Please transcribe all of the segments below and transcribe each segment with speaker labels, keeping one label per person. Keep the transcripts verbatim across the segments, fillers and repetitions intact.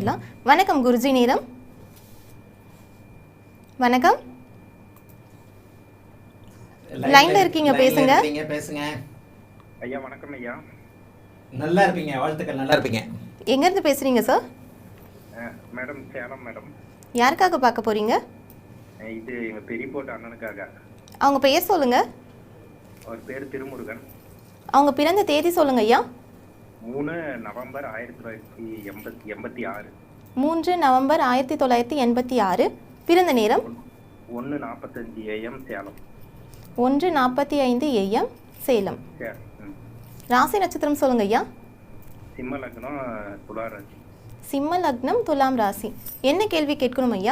Speaker 1: பார்த்துடலாம். வணக்கம் குருஜி, நேரம் வணக்கம். லைன்ல இருக்கீங்க, பேசுங்க.
Speaker 2: பேசுங்க
Speaker 3: ஐயா. வணக்கம் ஐயா.
Speaker 2: நல்லா இருப்பீங்க, வாழ்த்துக்கள். நல்லா இருப்பீங்க.
Speaker 1: எங்க இருந்து பேசுறீங்க சார்?
Speaker 3: Madam Salem madam.
Speaker 1: யாருக்காக பார்க்க போறீங்க?
Speaker 3: இது எங்க பெரிய போட்ட அண்ணனுக்காக.
Speaker 1: அவங்க பெயர் சொல்லுங்க.
Speaker 3: அவர் பேர் திருமுருகன்.
Speaker 1: அவங்க பிறந்த தேதி சொல்லுங்க ஐயா.
Speaker 3: மூணு நவம்பர் ஆயிரத்தி தொள்ளாயிரத்தி எண்பத்தி எண்பத்தி ஆறு.
Speaker 1: மூன்று நவம்பர் ஆயிரத்தி தொள்ளாயிரத்தி எண்பத்தி ஆறு. பிறந்த நேரம்
Speaker 3: ஒன்று நாற்பத்தஞ்சு ஏஎம் சேலம்.
Speaker 1: ஒன்று நாற்பத்தி ஐந்து ஏஎம் சேலம். ராசி நட்சத்திரம் சொல்லுங்க ஐயா.
Speaker 3: சிம்ம லக்னம் துலா ராசி.
Speaker 1: சிம்ம லக்னம் துலாம் ராசி. என்ன கேள்வி கேட்கணும் ஐயா?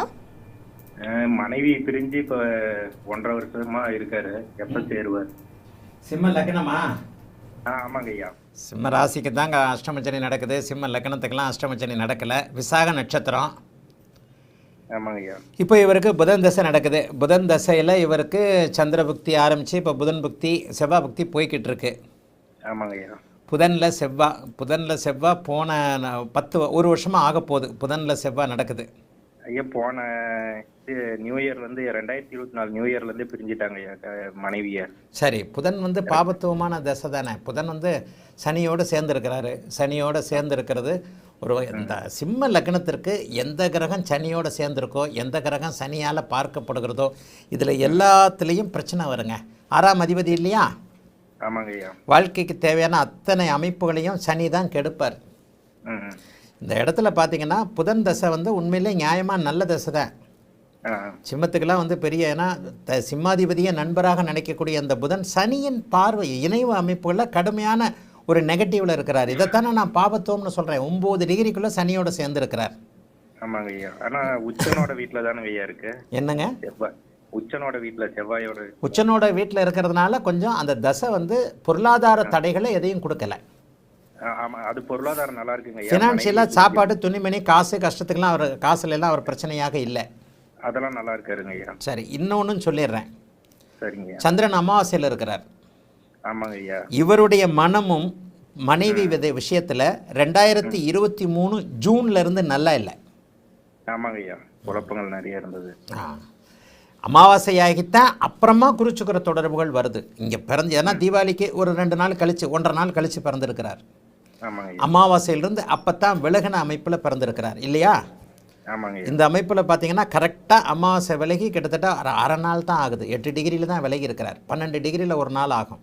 Speaker 3: மனைவி பிரிஞ்சு இப்போ ஒன்றரை வருஷமா இருக்காரு, எப்போ சேருவார்?
Speaker 2: சிம்ம லக்னமா?
Speaker 3: ஆ ஆமாங்க ஐயா.
Speaker 2: சிம்ம ராசிக்கு தாங்க அஷ்டமச்சனி நடக்குது. சிம்ம லக்னத்துக்கெல்லாம் அஷ்டமச்சனி நடக்கலை. விசாக நட்சத்திரம்.
Speaker 3: ஆமாங்க ஐயா.
Speaker 2: இப்போ இவருக்கு புதன் தசை நடக்குது. புதன் தசையில் இவருக்கு சந்திர புக்தி ஆரம்பித்து இப்போ புதன் புக்தி செவ்வாய் புக்தி போய்கிட்டு இருக்கு.
Speaker 3: ஆமாங்க ஐயா.
Speaker 2: புதனில் செவ்வாய் புதனில் செவ்வாய் போன பத்து ஒரு வருஷமாக ஆக போகுது. புதனில் செவ்வாய் நடக்குது.
Speaker 3: ஐயா போன நியூ இயர் வந்து ரெண்டாயிரத்தி இருபத்தி நாலு நியூ இயர்லேருந்து பிரிஞ்சுட்டாங்க ஐயா மனைவியை.
Speaker 2: சரி, புதன் வந்து பாபத்துவமான தசை தானே. புதன் வந்து சனியோடு சேர்ந்துருக்கிறாரு. சனியோடு சேர்ந்துருக்கிறது ஒரு இந்த சிம்ம லக்னத்திற்கு எந்த கிரகம் சனியோடு சேர்ந்துருக்கோ, எந்த கிரகம் சனியால் பார்க்கப்படுகிறதோ, இதில் எல்லாத்துலேயும் பிரச்சனை வருங்க. ஆறாம் அதிபதி இல்லையா?
Speaker 3: ஆமாங்க ஐயா.
Speaker 2: வாழ்க்கைக்கு தேவையான அத்தனை அமைப்புகளையும் சனி தான் கெடுப்பார். இந்த இடத்துல பார்த்தீங்கன்னா புதன் தசை வந்து உண்மையிலே நியாயமாக நல்ல தசை தான். சிம்மத்துக்கெல்லாம் வந்து பெரிய, ஏன்னா த சிம்மாதிபதியை நண்பராக நினைக்கக்கூடிய அந்த புதன் சனியின் பார்வை இணைவு அமைப்புகளில் கடுமையான ஒரு நெகட்டிவில் இருக்கிறார். இதைத்தானே நான் பாபத்துவம்னு சொல்கிறேன். ஒம்பது டிகிரிக்குள்ளே சனியோட சேர்ந்துருக்கிறார்.
Speaker 3: ஆமாங்க ஐயா. ஆனால் உச்சனோட வீட்டில் தானே ஐயா இருக்கு.
Speaker 2: என்னங்க?
Speaker 3: செவ்வாய் உச்சனோட வீட்டில் செவ்வாயோட
Speaker 2: உச்சனோட வீட்டில் இருக்கிறதுனால கொஞ்சம் அந்த தசை வந்து பொருளாதார தடைகளை எதையும் கொடுக்கல.
Speaker 3: ஆமாம், அது பொருளாதாரம் நல்லா இருக்குங்க.
Speaker 2: ஃபினான்ஷியலாக சாப்பாடு துணிமணி காசு கஷ்டத்துக்குலாம் அவர் காசுல எல்லாம் அவர் பிரச்சனையாக இல்லை.
Speaker 3: அதெல்லாம் நல்லா இருக்காருங்க ஐயா.
Speaker 2: சரி, இன்னொன்னு சொல்லிடுறேன்.
Speaker 3: சரிங்க.
Speaker 2: சந்திரன் அமாவாசையில் இருக்கிறார்.
Speaker 3: ஆமாங்க ஐயா.
Speaker 2: இவருடைய மனமும் மனைவி விதை விஷயத்தில் ரெண்டாயிரத்தி இருபத்தி மூணு ஜூன்ல இருந்து நல்லா இல்லை.
Speaker 3: ஆமாங்க ஐயா. குழப்பங்கள் நிறைய இருந்தது.
Speaker 2: அமாவாசையாகித்தான் அப்புறமா குறிச்சுக்கிற தொடர்புகள் வருது. இங்கே பிறந்து, ஏன்னா தீபாவளிக்கு ஒரு ரெண்டு நாள் கழிச்சு ஒன்றரை நாள் கழிச்சு பிறந்திருக்கிறார். அமாவாசையிலிருந்து அப்பத்தான் விலகின அமைப்பில் பிறந்திருக்கிறார் இல்லையா?
Speaker 3: ஆமாங்க.
Speaker 2: இந்த அமைப்பில் பார்த்தீங்கன்னா கரெக்டாக அமாவாசை விலகி கிட்டத்தட்ட அரை அரை நாள் தான் ஆகுது. எட்டு டிகிரியில் தான் விலகி இருக்கிறார். பன்னெண்டு டிகிரியில் ஒரு நாள் ஆகும்.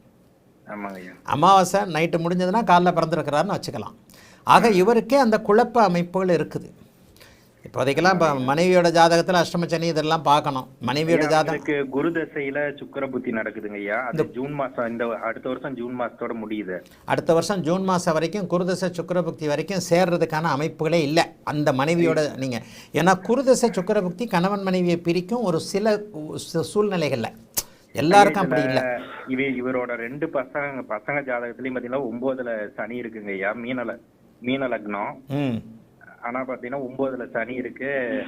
Speaker 2: அமாவாசை நைட்டு முடிஞ்சதுன்னா காலைல பிறந்திருக்கிறாருன்னு வச்சுக்கலாம். ஆக இவருக்கே அந்த குழப்ப அமைப்புகள் இருக்குது. இப்போதைக்கெல்லாம் இப்போ மனைவியோட ஜாதகத்தில் அஷ்டமச்சனி இதெல்லாம் பார்க்கணும். மனைவியோட ஜாதகத்துக்கு
Speaker 3: குரு தசையில் சுக்கிர புத்தி நடக்குதுங்க ஐயா. அது ஜூன் மாதம், இந்த அடுத்த வருஷம் ஜூன் மாதத்தோட முடியுது.
Speaker 2: அடுத்த வருஷம் ஜூன் மாதம் வரைக்கும் குருதசை சுக்கிர புக்தி வரைக்கும் சேர்றதுக்கான அமைப்புகளே இல்லை அந்த மனைவியோட. நீங்கள் ஏன்னா குருதசை சுக்கிர புக்தி கணவன் மனைவியை பிரிக்கும் ஒரு சில சூழ்நிலைகளில், எல்லாருக்கும் அப்படி இல்லை.
Speaker 3: இவ இவரோட ரெண்டு பசங்க பசங்க ஜாதகத்துலேயும் பார்த்தீங்கன்னா ஒம்போதுல சனி இருக்குங்க ஐயா. மீனல மீன லக்னம்.
Speaker 2: ம்
Speaker 3: ஆனா பாத்தீங்கன்னா ஒன்பதுல சனி இருக்கு.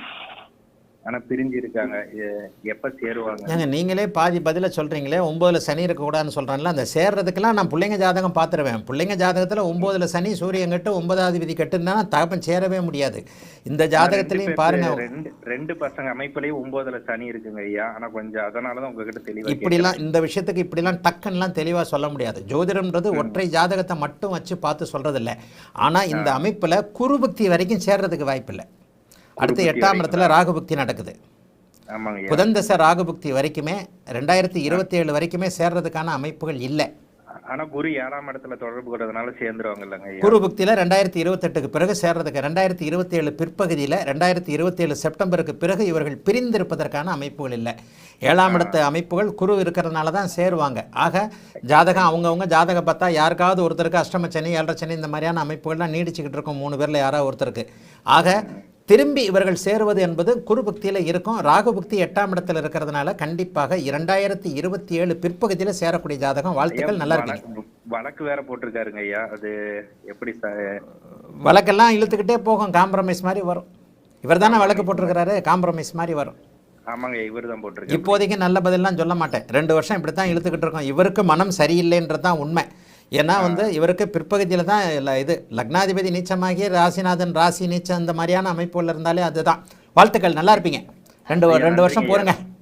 Speaker 3: ஆனா பிரிஞ்சு இருக்காங்க. எப்ப சேருவாங்க?
Speaker 2: ஏங்க நீங்களே பாதி பதில சொல்றீங்களே, ஒன்பதுல சனி இருக்கக்கூடாதுன்னு சொல்றேன்ல. அந்த சேர்றதுக்கெல்லாம் நான் பிள்ளைங்க ஜாதகம் பார்த்துருவேன். பிள்ளைங்க ஜாதகத்துல ஒன்பதுல சனி சூரியன் கட்டு ஒன்பதாவது விதி கட்டுன்னா தகப்பன் சேரவே முடியாது. இந்த ஜாதகத்திலையும் பாருங்க,
Speaker 3: ரெண்டு ரெண்டு பசங்க அமைப்புலயும் ஒன்பதுல சனி இருக்குங்க ஐயா. ஆனா கொஞ்சம் அதனாலதான் உங்ககிட்ட தெளிவா
Speaker 2: இப்படிலாம் இந்த விஷயத்துக்கு இப்படிலாம் டக்குன்னெலாம் தெளிவா சொல்ல முடியாது. ஜோதிடம்ன்றது ஒற்றை ஜாதகத்தை மட்டும் வச்சு பார்த்து சொல்றது இல்லை. ஆனா இந்த அமைப்புல குருபக்தி வரைக்கும் சேர்றதுக்கு வாய்ப்பில்லை. அடுத்து எட்டாம் இடத்துல ராகுபக்தி நடக்குது. புதன் தசை ராகுபக்தி வரைக்குமே ரெண்டாயிரத்தி இருபத்தி ஏழு வரைக்குமே சேர்றதுக்கான அமைப்புகள் இல்லை.
Speaker 3: ஆனா குரு ஏழாம் இடத்துல தொடர்பு கொண்டதுனால சேர்ந்துருவாங்க இல்லைங்க.
Speaker 2: குரு பக்தியில ரெண்டாயிரத்தி இருபத்தி எட்டுக்கு பிறகு சேர்றதுக்கு, ரெண்டாயிரத்தி இருபத்தி ஏழு பிற்பகுதியில் ரெண்டாயிரத்தி இருபத்தி ஏழு செப்டம்பருக்கு பிறகு இவர்கள் பிரிந்திருப்பதற்கான அமைப்புகள் இல்லை. ஏழாம் இடத்து அமைப்புகள் குரு இருக்கிறதுனால தான் சேருவாங்க. ஆக ஜாதகம் அவங்கவுங்க ஜாதகம் பார்த்தா யாருக்காவது ஒருத்தருக்கு அஷ்டமச்சனி ஏழரை சனி இந்த மாதிரியான அமைப்புகள்லாம் நீடிச்சுக்கிட்டு இருக்கும் மூணு பேரில் யாராவது ஒருத்தருக்கு. ஆக திரும்பி இவர்கள் சேருவது என்பது குரு பக்தியில் இருக்கும். ராகு பக்தி எட்டாம் இடத்துல இருக்கிறதுனால கண்டிப்பாக இரண்டாயிரத்தி இருபத்தி ஏழு பிற்பகுதியில் சேரக்கூடிய ஜாதகம். வாழ்த்துக்கள், நல்லா இருக்கு.
Speaker 3: வழக்கு வேற போட்டிருக்காருங்க ஐயா. அது எப்படி
Speaker 2: வழக்கெல்லாம் இழுத்துக்கிட்டே போகும், காம்ப்ரமைஸ் மாதிரி வரும். இவர் தானே வழக்கு போட்டிருக்கிறாரு, காம்ப்ரமைஸ் மாதிரி வரும்.
Speaker 3: ஆமாங்க, இவர் தான் போட்டிருக்காரு.
Speaker 2: இப்போதைக்கு நல்ல பதிலாம் சொல்ல மாட்டேன். ரெண்டு வருஷம் இப்படி தான் இழுத்துக்கிட்டு இருக்கோம். இவருக்கு மனம் சரியில்லைன்றது தான் உண்மை. ஏன்னா வந்து இவருக்கு பிற்பகுதியில் தான் இல்லை இது லக்னாதிபதி நீச்சமாகி ராசிநாதன் ராசி நீச்சம் இந்த மாதிரியான அமைப்புகள் இருந்தாலே அதுதான். வாழ்த்துக்கள், நல்லா இருப்பீங்க. ரெண்டு ரெண்டு வருஷம் போருங்க.